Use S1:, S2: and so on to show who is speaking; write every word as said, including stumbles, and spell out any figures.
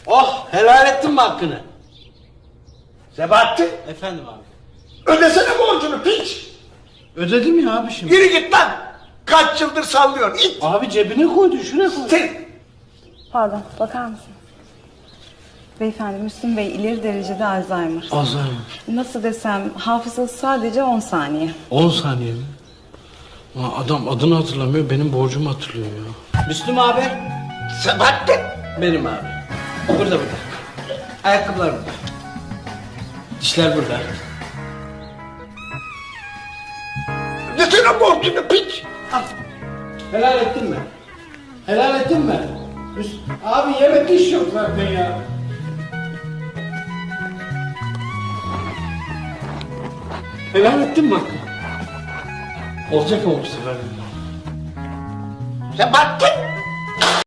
S1: Oh, helal ettin mi hakkını?
S2: Sebahattin,
S1: Efendim abi.
S2: ödesene borcunu piç.
S1: Ödedim ya abi şimdi.
S2: Yürü git lan. Kaç yıldır sallıyorsun it.
S1: Abi cebine koydu, şuraya koy.
S2: Sen
S3: Pardon, bakar mısın? Beyefendi, Müslüm Bey ileri derecede Alzheimer.
S1: Alzheimer.
S3: Nasıl desem, hafızası sadece on saniye.
S1: on saniye mi? Ulan adam adını hatırlamıyor, benim borcumu hatırlıyor ya. Müslüm abi.
S2: Sebahattin.
S1: Benim abi. Burada burada. Ayakkabılar burada. Dişler burada.
S2: Ödesene borcunu piç.
S1: Al. Helal ettin mi? Helal ettin mi? Müs- Abi yemek iş yok zaten ya. Helal ettin mi hakkı? Olacak ama bu sefer.
S2: Sebahattin.